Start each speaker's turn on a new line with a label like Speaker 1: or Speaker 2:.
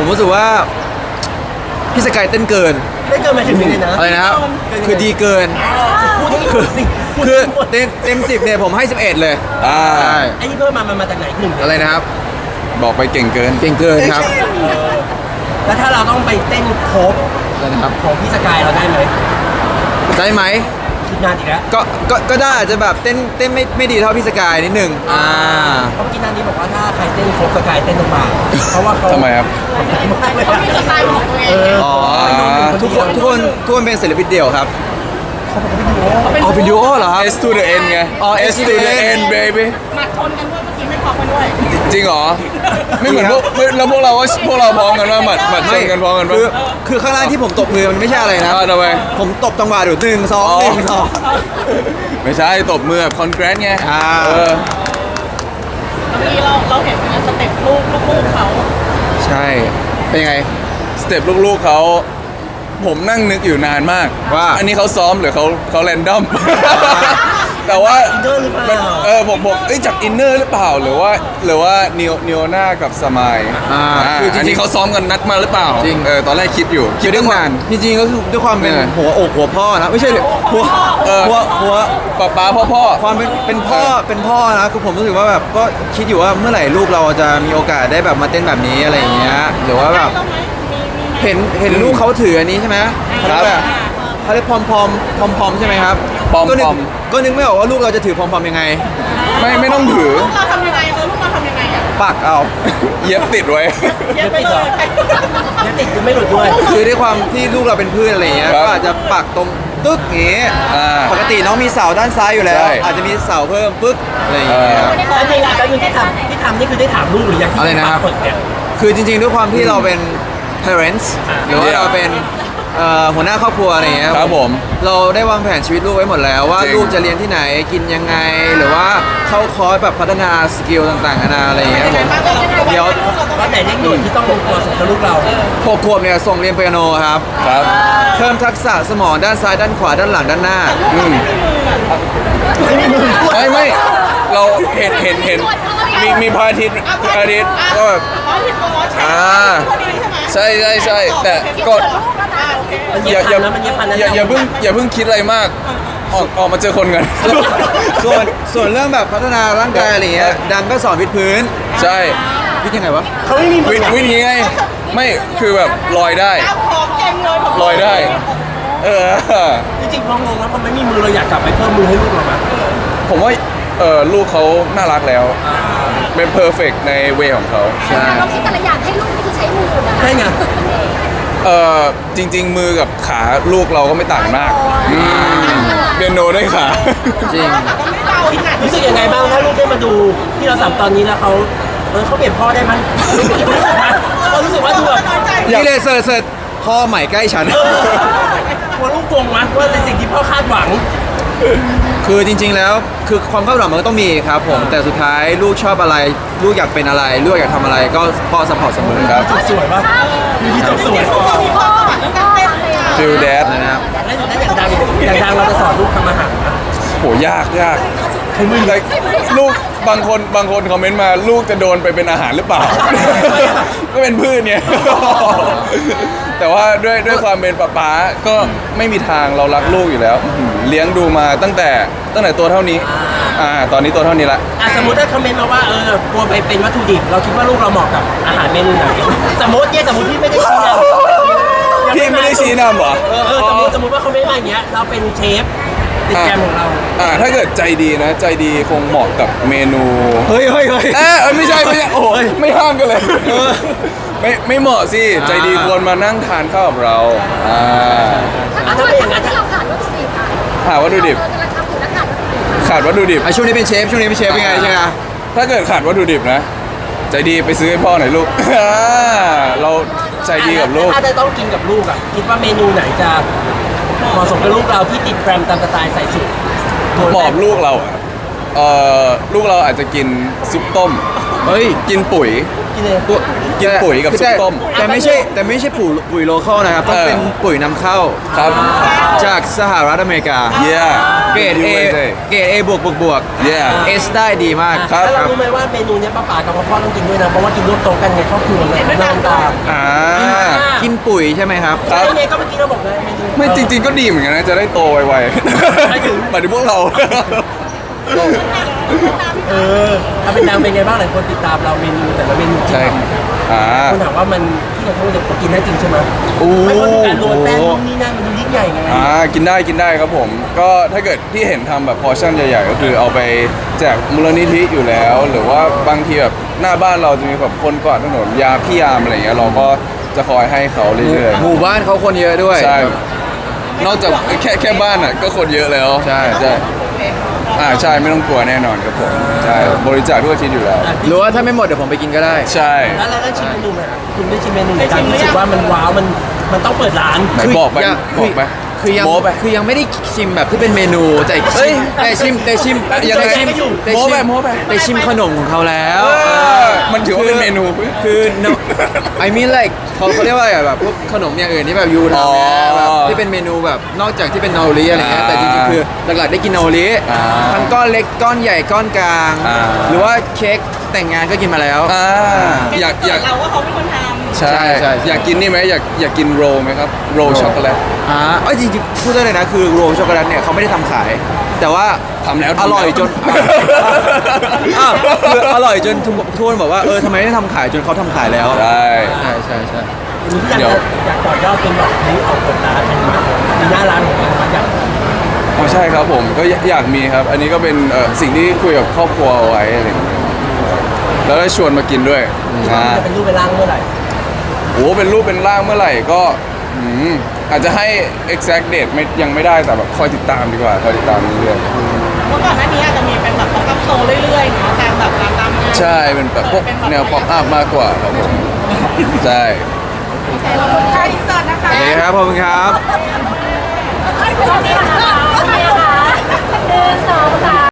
Speaker 1: รู้สึกว่าพี่สกายเต้นเกิน
Speaker 2: ได้เกินมาถึงเลยนะ
Speaker 1: อะไรนะครับคือดีเกิน
Speaker 2: พูดให้หมดสิพูด
Speaker 1: คือ
Speaker 2: ให้หมด
Speaker 1: เต็ม10เนี่ยผมให้11เลยใช่
Speaker 2: ไอ้ที่เพิ่มมามันมาจากไหนหนึ่ง
Speaker 1: อะไรนะครับ
Speaker 3: บอกไปเก่งเกิน
Speaker 1: เก่งเกินครับ
Speaker 2: แล้วถ้าเราต้องไปเต้นโคฟ
Speaker 1: อะไรนะครับ
Speaker 2: ของพี่สกายเราได้ไหม
Speaker 1: ได้ไหม
Speaker 2: คิดนานอีกแล้ว
Speaker 1: ก็ได้อาจจะแบบเต้นไม่ดีเท่าพี่สกายนิดนึง
Speaker 2: เพราะกินนานนี้บอกว่าถ้าใครเต้นโคฟสกายเต้นลงมาเพราะว่าเขา
Speaker 3: ทำไมครับ
Speaker 2: มากเลย
Speaker 4: เขามีสไตล์ของตัวเอง
Speaker 1: อ๋อทุกคนเป็นศิลปินเดี่ยวครับ
Speaker 4: เขาเป็น
Speaker 1: เอาเป็นดูโอเหรอครับ
Speaker 3: S to the N ไง
Speaker 1: อ๋อ
Speaker 3: S to the N baby
Speaker 4: หมัดชนกันด้วยเมื่อกี้ไม่พร้อมกันด้วย
Speaker 3: จริงเหรอ ไม่เหมือนแล้วพวกเราพร้อมกันว่าหมัดชนกันพร้อมกันปะ
Speaker 1: คือข้างล่างที่ผมตบมือมันไม่ใช่อะไรนะ
Speaker 3: ทำไม
Speaker 1: ผมตบจังหวะอยู่1 2 1 2
Speaker 3: ไม่ใช่ตบมือแบบคอนแกรนไง
Speaker 1: อ่า
Speaker 3: เออ
Speaker 4: เมื่อกี้เราเห็นสเต็ปลูกเขา
Speaker 1: ใช่เป็นยังไง
Speaker 3: สเต็ปลูกๆเขาผมนั่งนึกอยู่นานมาก
Speaker 1: ว่า
Speaker 3: อันนี้เขาซ้อมหรือเขาแรนดอม แต่ว่า
Speaker 2: อินเนอร์หรือเปล่า
Speaker 3: ผมจากอินเนอร์หรือเปล่าหรือว่านิโอน่ากับสมาย
Speaker 1: คือจ
Speaker 3: อัน
Speaker 1: ริ
Speaker 3: นี้
Speaker 1: ง
Speaker 3: เขาซ้อมกันนัดมาหรือเปล่า
Speaker 1: จริง
Speaker 3: ตอนแรกคิดอยู่
Speaker 1: ๆคือด้วยความจริงๆก็คือด้วยความเป็น
Speaker 3: เออ
Speaker 1: หัวอกหัวพ่อนะไม่ใช่ดิหัว
Speaker 3: ป้าพ่อ
Speaker 1: ความเป็นพ่อนะคือผมรู้สึกว่าแบบก็คิดอยู่ว่าเมื่อไหร่ลูกเราจะมีโอกาสได้แบบมาเต้นแบบนี้อะไรอย่างเงี้ยหรือว่าแบบ
Speaker 4: ได้ไหมมี
Speaker 1: เห็นลูกเขาถืออันนี้ใช่ไหมเขาเรียกแบบเขาเรียกพอมใช่ไหมครับ
Speaker 3: ปอม
Speaker 1: ก็นึกไม่ออกว่าลูกเราจะถือพอมยังไง
Speaker 3: ไม่ต้องถือ
Speaker 4: ลูกเราทำยังไงลูกเราทำยังไงอ่ะ
Speaker 1: ปักเอา
Speaker 3: เย็บติดไว้
Speaker 4: เย็บไปเลย
Speaker 2: ยังติดยังไม่หลุดด้วย
Speaker 1: คือด้วยความที่ลูกเราเป็นพืชอะไรอย่างเงี้ย
Speaker 3: ครับ
Speaker 1: ก็อาจจะปักตรงตึ๊กอย่างเงี้ย
Speaker 3: อ่า
Speaker 1: ปกติน้องมีเสาด้านซ้ายอยู่แล้ว
Speaker 3: ใช่
Speaker 1: อาจจะมีเสาเพิ่มปึ๊กอะไรอย่างเงี้ย
Speaker 3: เออ
Speaker 2: แล้วในรายการที่ทำนี่คือได้ถามลูกหรือยังที่
Speaker 1: อะไรนะครับ
Speaker 2: เปิดเนี่ย
Speaker 1: คือจริงๆด้วยความที่เราเป็น parents หรือว่าเราเป็นหัวหน้าครอบครัวอะไรอย่างเงี้ย
Speaker 3: ครับผม
Speaker 1: เราได้วางแผนชีวิตลูกไว้หมดแล้วว่า
Speaker 3: จริง
Speaker 1: ลูกจะเรียนที่ไหนกินยังไง หรือว่าเข้าคอร์สแบบพัฒนาสกิลต่างๆนานาอะไรอย่างเงี้ยผมเดี๋ยว
Speaker 2: ว่าไหนเร่งด่วนที่ต้องลงตัวส่งกับลูกเรา
Speaker 1: 6 ขวบเนี่ยส่งเรียนเปียโนครับ
Speaker 3: ครับ
Speaker 1: เพิ่มทักษะสมองด้านซ้ายด้านขวาด้านหลังด้านหน้า
Speaker 3: ไม่เราเห็นมีพระอาทิตย์ก็แบบ
Speaker 4: อ๋อผิดตัวใช่
Speaker 3: อ่า
Speaker 4: ตัวนี้ใช่ไหม
Speaker 3: ใช่แต่ก็
Speaker 2: มัน
Speaker 3: อ
Speaker 2: เย็บ
Speaker 3: ย่า
Speaker 2: พันแล้วมันเย็บพันแล้ว
Speaker 3: อย่าเพิ่งคิดอะไรมาก ออกมาเจอคนกัน
Speaker 1: ส่วนเรื่องแบบพัฒนาร่างกายอะไรเงี้ยดังก็สอนวิดพื้น
Speaker 3: ใช่
Speaker 1: วิดยังไงวะ
Speaker 2: เขาไม่มีมือ
Speaker 3: วิ่งยังไงไม่คือแบบลอยได้
Speaker 4: เอาของเก่งเลยผม
Speaker 3: ลอยได้ เออ
Speaker 2: จริงๆพองงแล้วพอไม่มีมือเราอยากกลับไปเพิ่มมือให้ลูกเราไหม
Speaker 3: ผมว่าลูกเขาน่ารักแล้ว เป็นเพอร์เฟกในเวของเขา
Speaker 1: ใช่
Speaker 5: เราคิดแต่ละอย่างให้ลูกนี่คือใช้มือนะ
Speaker 2: ใช่ไง
Speaker 3: จริง ๆ มือกับขาลูกเราก็ไม่ต่างกันมากเปียโนด้วยขา
Speaker 1: จริง
Speaker 4: ก็ไม่เบาขนาด
Speaker 2: รู้สึกยังไงบ้างถ้าลูกได้มาดูที่เราสัมตอนนี้แล้วเขาเขาเปลี่ยนพ่อได้ไหมเรารู้สึกว่าดูแบบ
Speaker 1: นี่เลยเสิร์ชพ่อใหม่ใกล้ฉัน
Speaker 2: กลัวลูกโกงมั้ยว่าในสิ่งที่พ่อคาดหวัง
Speaker 1: คือจริง ๆ แล้วคือความคาดหวังมันก็ต้องมีครับผม แต่สุดท้ายลูกชอบอะไร ลูกอยากเป็นอะไร ลูกอยากทำอะไรก็พ่อสปอร์ตเสมอครับ
Speaker 2: สวยป่ะมีที่จบสวย
Speaker 5: มีพ่อแล้วก็อะไรอ่ะ
Speaker 3: ฟิลแดด
Speaker 1: นะครับ
Speaker 2: แล้วอย่างดังเราจะสอนลูกทำอาหารนะ
Speaker 3: โหยากคือมึงเลยลูกบางคนคอมเมนต์มาลูกจะโดนไปเป็นอาหารหรือเปล่า ก็เป็นพืชเนี่ย แต่ว่าด้วยความเป็นป๊าก็ไม่มีทางเรารักลูกอยู่แล้วเลี้ยงดูมาตั้งแต่ตัวเท่านี้ตอนนี้ตัวเท่านี้ละ
Speaker 2: สมมติถ้าคอมเมนต์มาว่ากลัวไปเป็นวัตถุดิบเราคิดว่าลูกเราเหมาะกับอาหารเมนูไหนสมมติพี่ไม่ได้ชี้นำ
Speaker 3: พี่ไม่ได้ชี้นำเหรอ
Speaker 2: สมมติว่าเขาไม่มาอย่างเงี้ยเราเป็นเชฟติดแกรมของเรา
Speaker 3: ถ้าเกิดใจดีนะใจดีคงเหมาะกับเมนู
Speaker 1: เฮ้ย
Speaker 3: ไม่ใช่โอ้ยไม่ห้ามกันเลยไม่เหมาะสิใจดีควรมานั่งทานข้าวกับเรา
Speaker 5: ถ้าเราขาดวัตถุดิบอ่ะ
Speaker 3: หาวัตถุดิบ
Speaker 5: เราจะทำอยู่แล้วขาดวัตถุดิบ
Speaker 3: ขาดวัตถุดิบ
Speaker 1: ช่วงนี้เป็นเชฟเป็นไงใช่ไหม
Speaker 3: ถ้าเกิดขาดวัตถุดิบนะ ใจดีไปซื้อให้พ่อหน่อยลูก เราใจดีกับลูก
Speaker 2: ถ้าจะต้องกินกับลูกอ่ะคิดว่าเมนูไหนจะเหมาะสมกับลูกเราที่ติดแกรมตามสไตล์ใส่สูตร
Speaker 3: หมอบลูกเราลูกเราอาจจะกินซุปต้ม
Speaker 1: เฮ้ย
Speaker 3: กินปุ๋ย
Speaker 2: กินเลย
Speaker 3: กินปุ๋ยกับซุปต้ม
Speaker 1: แต่ไม่ใช่ปุ๋ยโลคอลนะครับต้องเป็นปุ๋ยนำเข้า
Speaker 3: ครับ
Speaker 1: จากสหรัฐอเมริกา
Speaker 3: yeah
Speaker 1: เกรด A เกรด A บวก
Speaker 3: yeah
Speaker 1: S ได้ดีมาก
Speaker 3: ครับ
Speaker 2: แล้วเรารู้ไหมว่าเมนูเนี้ยป้าป๋ากับพ่อต้องกินด้วยนะเพราะว่ากินร่วมโต๊ะกันในครอบครัวเลยน้ำตา
Speaker 3: อ่า
Speaker 1: กินปุ๋ยใช่ไหมครับ
Speaker 3: ครับ
Speaker 2: ใช่ไงก็เมื่อกี้เราบอกเลยเมนู
Speaker 3: ไม่จริง ๆ ก็ดีเหมือนกันนะ จะได้โตไวๆ
Speaker 2: หมายถึง
Speaker 3: หมายถึงพวกเรา
Speaker 2: ถ้าเป็นนางเป็นไงบ้างหลายคนติดตามเราเมนูแต่ละเมนูที่
Speaker 3: ใช่
Speaker 2: ทำ
Speaker 3: อ่า
Speaker 2: คนถามว่ามันที่เราพูดเนี่ยกินได้จริงใช่ไหม
Speaker 3: โอ้
Speaker 2: ไม่ว่าการโรยแป้งนู่นนี่นั่นมันดูยิ่งใหญ่ไง
Speaker 3: กินได้ครับผม ก็ถ้าเกิดที่เห็นทำแบบพอร์ชั่นใหญ่ๆ ก็คือเอาไปแจกมูลนิธิอยู่แล้ว หรือว่าบางทีแบบหน้าบ้านเราจะมีแบบคนกวาดถนนยาพี่ยามอะไรเงี้ยเราก็จะคอยให้เขาเรื่อย
Speaker 1: หมู่บ้านเขาคนเยอะด้วย
Speaker 3: ๆใช่ นอกจากแค่บ้านอ่ะก็คนเยอะแล้ว
Speaker 1: ใช่
Speaker 3: ใช่ไม่ต้องกลัวแน่นอนครับผมใช่บริจาคทุกอาทิตย์อยู่แล้ว
Speaker 1: หรือว่าถ้าไม่หมดเดี๋ยวผมไปกินก็ได้
Speaker 3: ใช่
Speaker 2: แล้วได้ชิมเมนูไหมคุณได้ชิมเมนูไหนการรู้สึกว่ามันว้าวมันต้องเปิดร้าน
Speaker 3: ไหนบอกไป
Speaker 1: ยัง
Speaker 3: บอกไป
Speaker 1: คือยัง
Speaker 3: โม้ไป
Speaker 1: คือยังไม่ได้ชิมแบบที่เป็นเมนูแต่
Speaker 3: เฮ้ย
Speaker 1: ชิม
Speaker 3: ยังไง
Speaker 1: แต่ชิม
Speaker 3: โม้ไปโม้ไป
Speaker 1: แต่ชิมขนมของเขาแล้ว
Speaker 3: มันถือว่าเป็นเมนู
Speaker 1: คือ no I mean like เขาเรียกว่าอะไรอะแบบพวกขนมอย่างอื่นที่แบบยูทำเนี่ยแบบที่เป็นเมนูแบบนอกจากที่เป็นนาโอริอะไรเงี้ยแต่จริงๆคือหลักๆได้กินนาโอริทั้งก้อนเล็กก้อนใหญ่ก้อนกลาง หรือว่าเค้กแต่งงานก็กินมาแล้ว
Speaker 3: อยาก
Speaker 4: เราว่าเขาเป็นคนทำ
Speaker 3: ใช่
Speaker 1: ใช่
Speaker 3: อยากกินนี่ไหมอยากกินโรลไหมครับโรลช็อกโกแลต
Speaker 1: จริงๆพูดได้เลยนะคือโรลช็อกโกแลตเนี่ยเขาไม่ได้ทำขาย แต่ว่า
Speaker 3: ทำแล้ว
Speaker 1: อร่อยจนคืออร่อยจนทุกคนบอกว่าทำไมไม่ทำขายจนเขาทำขายแล้ว
Speaker 3: ใช่
Speaker 1: ใช่
Speaker 2: อันนี้ที่อยากต่อยอดเป็นแบบนี้ออกเปิดร้านเป็นแบบมีหน้าร้านของเราอยาก
Speaker 3: อ๋อใช่ครับผมก็อยากมีครับ อันนี้ก็เป็นสิ่งที่คุยกับครอบครัวเอาไว้อะไรอย่างเงี้ยแล้วได้ชวนมากินด้วย
Speaker 2: จะเป็นรูปเป็นร่างเมื่อไหร่
Speaker 3: โอ้เป็นรูปเป็นร่างเมื่อไหร่ก็อาจจะให้ exact date ยังไม่ได้แต่แบบคอยติดตามดีกว่าคอยติดตามเรื่อย
Speaker 4: เมื่อก่อนหน้านี้อาจจะมีเป็นแบบป๊อปอัพโชว์เรื่อยๆเนาะตามแบบร้านตามงาน
Speaker 3: ๆใช่เป็นแบบพวกแนว pop up มากกว่าครับผมใช่
Speaker 5: ขอบคุณค่ะอินเสิร์ตนะคะ
Speaker 1: โอเคครับขอบคุณครับ
Speaker 5: ให้คุณพี่ค่ะ